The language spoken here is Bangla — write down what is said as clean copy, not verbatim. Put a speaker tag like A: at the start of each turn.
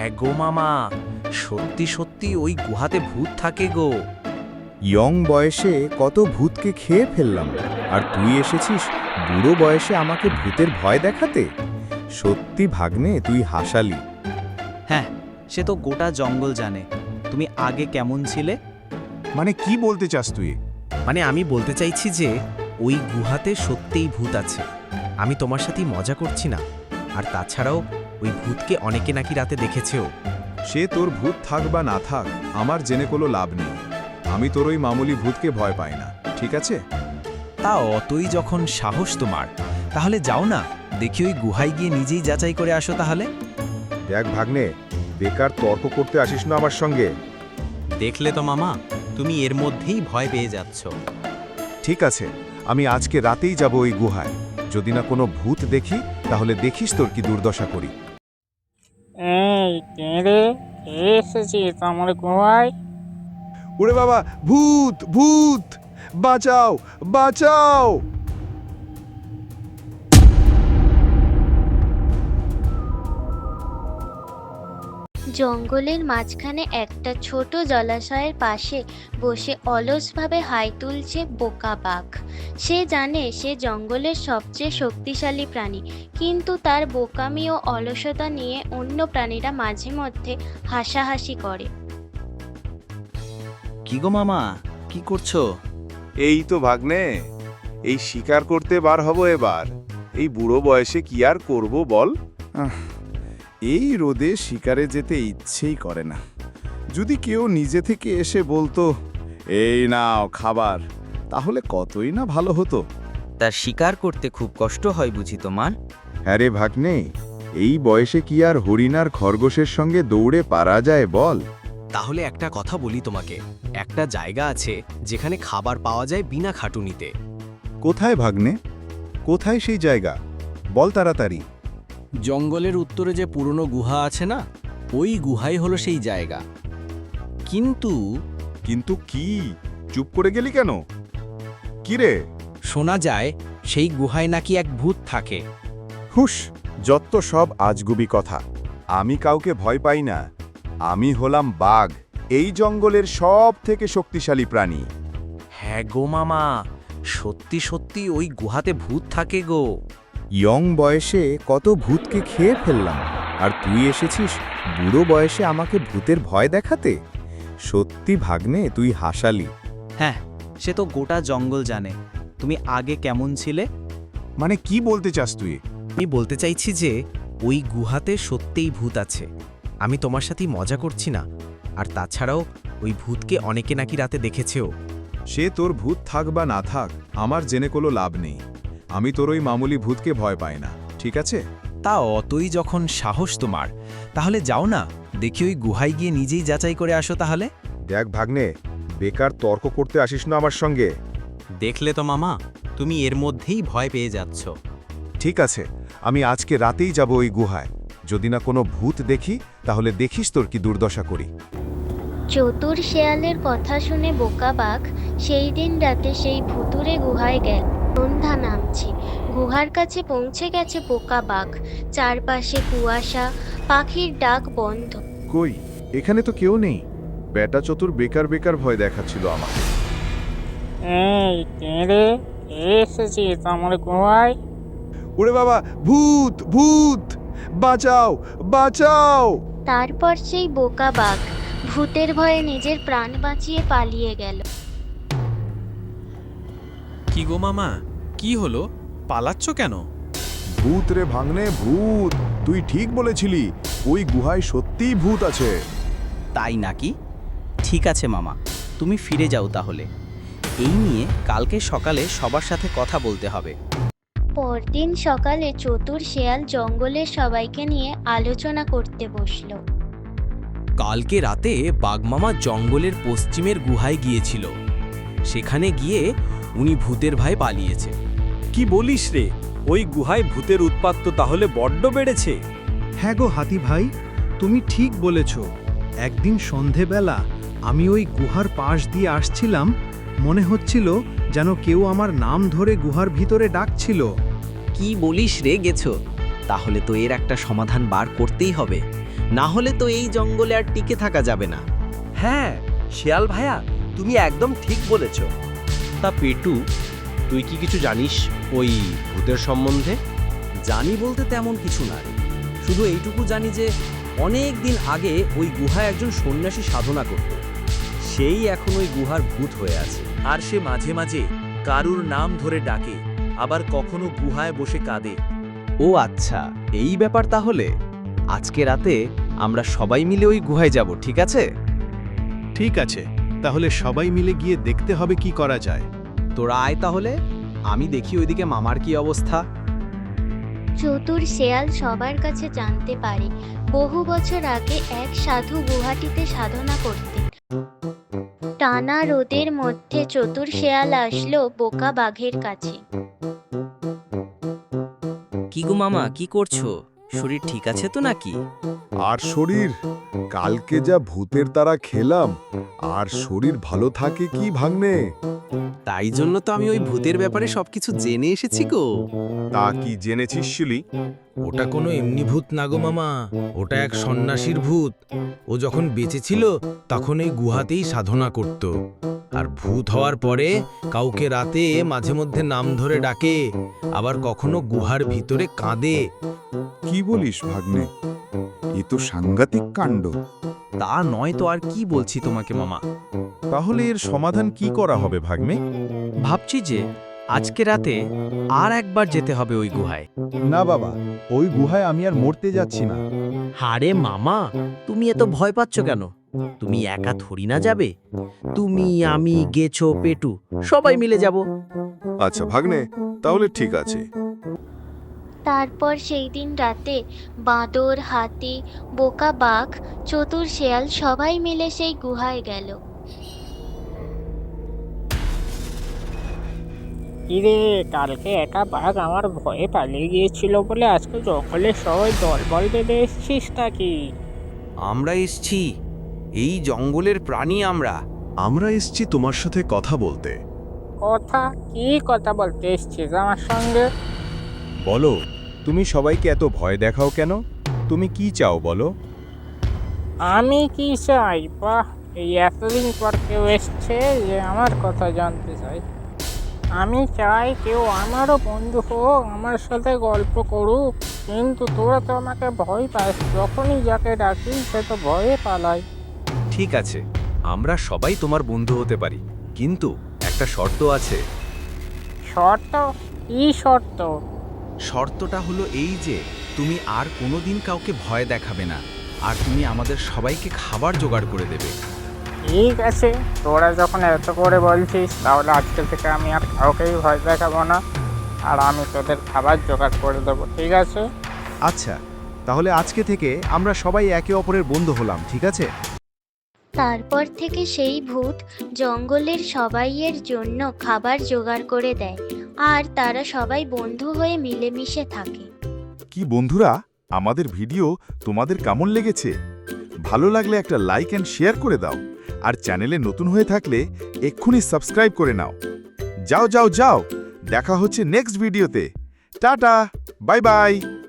A: হ্যাঁ গো মামা, সত্যি সত্যি ওই গুহাতে ভূত থাকে গো।
B: ইয়ং বয়সে কত ভূতকে খেয়ে ফেললাম, আর তুই এসেছিস বুড়ো বয়সে আমাকে ভূতের ভয় দেখাতে। সত্যি ভাগ্নে, তুই হাসালি।
C: হ্যাঁ, সে তো গোটা জঙ্গল জানে তুমি আগে কেমন ছিলে।
B: মানে কি বলতে চাস তুই?
A: মানে আমি বলতে চাইছি যে ওই গুহাতে সত্যিই ভূত আছে। আমি তোমার সাথেই মজা করছি না। আর তাছাড়াও ওই ভূতকে অনেকে নাকি রাতে দেখেছেও।
B: সে তোর ভূত থাক বা না থাক, আমার জেনে কোনো লাভ নেই। আমি তোর ওই মামুলি ভূতকে ভয় পাই না, ঠিক আছে?
A: তা অতই যখন সাহস তোমার, তাহলে যাও না, দেখি ওই গুহায় গিয়ে নিজেই যাচাই করে আসো তাহলে।
B: দেখ ভাগ্নে, বেকার তর্ক করতে আসিস না আমার সঙ্গে।
C: দেখলে তো মামা, তুমি এর মধ্যেই ভয় পেয়ে যাচ্ছ।
B: ঠিক আছে, আমি আজকে রাতেই যাব ওই গুহায়। যদি না কোনো ভূত দেখি, তাহলে দেখিস তোর কি দুর্দশা করি।
D: এই কে রে, কে এসেছিস আমার গুহায়?
B: ওরে বাবা, ভূত ভূত, বাঁচাও বাঁচাও!
E: জঙ্গলের মাঝখানে একটা ছোট জলাশয়ের পাশে বসে অলসভাবে হাই তুলছে বোকা বাঘ। সে জানে সে জঙ্গলের সবচেয়ে শক্তিশালী প্রাণী, কিন্তু তার বোকামি ও অলসতা নিয়ে অন্য প্রাণীরা মাঝে মধ্যে হাসাহাসি করে।
C: কি গো মামা, কি করছো?
F: এই তো ভাগ্নে, এই শিকার করতে বার হব এবার। এই বুড়ো বয়সে কি আর করব বল?
B: এই রোদে শিকারে যেতে ইচ্ছেই করে না। যদি কেউ নিজে থেকে এসে বলতো, এই নাও খাবার, তাহলে কতই না ভালো হতো।
C: তার শিকার করতে খুব কষ্ট হয় বুঝি তোমার?
B: হ্যাঁ রে ভাগ্নে, এই বয়সে কি আর হরিণার খরগোশের সঙ্গে দৌড়ে পারা যায় বল?
A: তাহলে একটা কথা বলি তোমাকে, একটা জায়গা আছে যেখানে খাবার পাওয়া যায় বিনা খাটুনিতে।
B: কোথায় ভাগ্নে? কোথায় সেই জায়গা? বল তাড়াতাড়ি।
A: জঙ্গলের উত্তরে যে পুরনো গুহা আছে না, ওই গুহাই হলো সেই জায়গা। কিন্তু
B: কিন্তু কি? চুপ করে গেলি কেন? কি রে?
A: শোনা যায় সেই গুহায় নাকি এক ভূত থাকে।
B: হুস, যত সব আজগুবি কথা। আমি কাউকে ভয় পাই না। আমি হলাম বাঘ, এই জঙ্গলের সব থেকে শক্তিশালী প্রাণী।
A: হ্যাঁ গো মামা, সত্যি সত্যি ওই গুহাতে ভূত থাকে গো।
B: ইয়ং বয়সে কত ভূতকে খেয়ে ফেললাম, আর তুই এসেছিস বুড়ো বয়সে আমাকে ভূতের ভয় দেখাতে। সত্যি ভাগ্নে, তুই হাসালি।
C: হ্যাঁ, সে তো গোটা জঙ্গল জানে তুমি আগে কেমন ছিলে।
B: মানে কি বলতে চাস তুই?
A: আমি বলতে চাইছি যে ওই গুহাতে সত্যিই ভূত আছে। আমি তোমার সাথেই মজা করছি না। আর তাছাড়াও ওই ভূতকে অনেকে নাকি রাতে দেখেছেও।
B: সে তোর ভূত থাক বা না থাক, আমার জেনে কোনো লাভ নেই। আমি তোর ওই মামুলি ভূতকে ভয় পাই না, ঠিক আছে?
A: তা অতই যখন সাহস তোমার, তাহলে যাও না, দেখি ওই গুহায় গিয়ে নিজেই যাচাই করে আসো তাহলে।
B: দেখ ভাগ্নে, বেকার তর্ক করতে আসিস না আমার সঙ্গে।
C: দেখলে তো মামা, তুমি এর মধ্যেই ভয় পেয়ে যাচ্ছ।
B: ঠিক আছে, আমি আজকে রাতেই যাব ওই গুহায়। যদি না কোনো ভূত দেখি, তাহলে দেখিস তোর কি দুর্দশা করি।
E: চতুর শেয়ালের কথা শুনে বোকা বাঘ সেই দিন রাতে সেই ভুতুড়ে গুহায় গেল। সন্ধ্যা নামছে, গুহার কাছে পৌঁছে গেছে বোকা বাঘ। চারপাশে কুয়াশা, পাখির ডাক বন্ধ।
B: কই, এখানে তো কেউ নেই। বেটা চতুর বেকার বেকার ভয় দেখাচ্ছিল আমাকে।
D: এই কে রে, কে এসেছিস আমার গুহায়?
B: ওরে বাবা, ভূত ভূত, বাঁচাও বাঁচাও!
E: তারপর সেই বোকা বাঘ ভূতের ভয়ে নিজের প্রাণ বাঁচিয়ে পালিয়ে গেল।
A: কি গো মামা, কি হলো? পালাচ্ছ কেন?
B: ভূত রে ভাগ্নে, ভূত! তুই ঠিক বলেছিলি, ওই গুহায় সত্যিই ভূত আছে।
C: তাই নাকি? ঠিক আছে মামা, তুমি ফিরে যাও তাহলে। এই নিয়ে কালকে সকালে সবার সাথে কথা বলতে হবে।
E: পরদিন সকালে চতুর শেয়াল জঙ্গলের সবাইকে নিয়ে আলোচনা করতে বসলো।
A: কালকে রাতে বাঘমামা জঙ্গলের পশ্চিমের গুহায় গিয়েছিল। সেখানে গিয়ে উনি ভূতের ভয়ে পালিয়েছে।
G: কি বলিস রে, ওই গুহায় ভূতের উৎপাত তো তাহলে বড্ড বেড়েছে।
H: হ্যাঁ গো হাতি ভাই, তুমি ঠিক বলেছ। একদিন সন্ধেবেলা আমি ওই গুহার পাশ দিয়ে আসছিলাম, মনে হচ্ছিল যেন কেউ আমার নাম ধরে গুহার ভিতরে ডাকছিল।
C: কি বলিস রে গেছো? তাহলে তো এর একটা সমাধান বার করতেই হবে।
A: না হলে তো এই জঙ্গলে আর টিকে থাকা যাবে না।
G: হ্যাঁ শিয়াল ভাইয়া, তুমি একদম ঠিক বলেছ। তা পেটু, তুই কি কিছু জানিস ওই ভূতের সম্বন্ধে?
I: জানি বলতে তেমন কিছু না রে। শুধু এইটুকু জানি যে অনেক দিন আগে ওই গুহায় একজন সন্ন্যাসী সাধনা করত। সেই এখন ওই গুহার ভূত হয়ে আছে।
J: আর সে মাঝে মাঝে কারুর নাম ধরে ডাকে, আবার কখনো গুহায় বসে কাঁদে।
A: ও আচ্ছা, এই ব্যাপার তাহলে। আজকে রাতে আমরা সবাই মিলে ওই গুহায় যাব, ঠিক আছে?
H: ঠিক আছে, তাহলে সবাই মিলে গিয়ে দেখতে হবে কি করা যায়।
A: তোরা আয় তাহলে, আমি দেখি ওইদিকে মামার কি অবস্থা।
E: চতুর শেয়াল সবার কাছে জানতে পারে বহু বছর আগে এক সাধু গুহাটিতে সাধনা করতেন। টানা রোদের মধ্যে চতুর শেয়াল আসলো বোকা বাঘের কাছে।
C: কি গো মামা, কি করছো? শরীর ঠিক আছে তো নাকি?
B: আর শরীর, কালকে যা ভূতের তারা খেলাম, আর শরীর ভালো থাকে কি ভাগ্নে?
A: তাই জন্য তো আমি ওই ভূতের ব্যাপারে সবকিছু জেনে এসেছি গো।
F: তা কি জেনেছিস শিলি?
J: ওটা কোনো এমনি ভূত না গো মামা, ওটা এক সন্ন্যাসীর ভূত। ও যখন বেঁচে ছিল তখন এই গুহাতেই সাধনা করত। আর ভূত হওয়ার পরে কাউকে রাতে মাঝে মধ্যে নাম ধরে ডাকে, আবার কখনো গুহার ভিতরে কাঁদে।
B: কি বলিস ভাগ্নে? এ তো সাংঘাতিক কাণ্ড।
A: তা নয় তো আর কি বলছি তোমাকে মামা।
B: তাহলে এর সমাধান কি করা হবে ভাগ্নে?
A: ভাবছি যে আজকে রাতে আর একবার যেতে হবে ওই গুহায়।
B: না বাবা, ওই গুহায় আমি আর মরতে যাচ্ছি না।
A: হারে মামা, তুমি এত ভয় পাচ্ছ কেন? তুমি একা থরি না যাবে। তুমি, আমি, গেছো, পেটু সবাই মিলে যাব।
F: আচ্ছা ভাগ্নে, তাহলে ঠিক আছে।
E: তারপর সেই দিন রাতে বাঁদর, হাতি, বোকা বাঘ, চতুর শেয়াল সবাই মিলে সেই গুহায় গেল।
D: কিরে, কালকে একা বাঘ আমার ভয়ে পালিয়ে গিয়েছিল বলে আজকে জঙ্গলে সবাই দলবল বেঁধে এসছিস নাকি?
A: আমরা এসছি, এই জঙ্গলের প্রাণী আমরা।
H: আমরা এসছি তোমার সাথে কথা বলতে।
D: কথা? কি কথা বলতে এসছিস আমার সঙ্গে?
B: বলো, তুমি সবাইকে এত ভয় দেখাও কেন? তুমি কি চাও বলো?
D: আমি কি চাই? বাহ, এই এতদিন পর কেউ এসছে যে আমার কথা জানতে চাই। আমি চাই কেউ আমারও বন্ধু হোক, আমার সাথে গল্প করুক। কিন্তু তোরা তো আমাকে ভয় পাস, যখনই যাকে ডাকি সে তো ভয়ে পালায়।
G: ঠিক আছে, আমরা সবাই তোমার বন্ধু হতে পারি, কিন্তু একটা শর্ত আছে।
D: শর্ত? কি শর্ত?
A: শর্তটা হলো এই যে তুমি আর কোনোদিন কাউকে ভয় দেখাবে না, আর তুমি আমাদের সবাইকে খাবার জোগাড় করে দেবে।
D: ঠিক আছে, তোরা যখন এত করে বলছিস তাহলে আজকে থেকে আমি আর কাউকেই ভয় দেখাবো না, আর আমি তোদের খাবার জোগাড় করে দেবো, ঠিক আছে?
H: আচ্ছা, তাহলে আজকে থেকে আমরা সবাই একে অপরের বন্ধু হলাম, ঠিক আছে?
E: তারপর থেকে সেই ভূত জঙ্গলের সবাইয়ের জন্য খাবার জোগাড় করে দেয়, আর তারা সবাই বন্ধু হয়ে মিলেমিশে থাকে।
B: কি বন্ধুরা, আমাদের ভিডিও তোমাদের কেমন লেগেছে? ভালো লাগলে একটা লাইক অ্যান্ড শেয়ার করে দাও, আর চ্যানেলে নতুন হয়ে থাকলে এক্ষুনি সাবস্ক্রাইব করে নাও। যাও যাও যাও, দেখা হচ্ছে নেক্সট ভিডিওতে। টাটা, বাই বাই।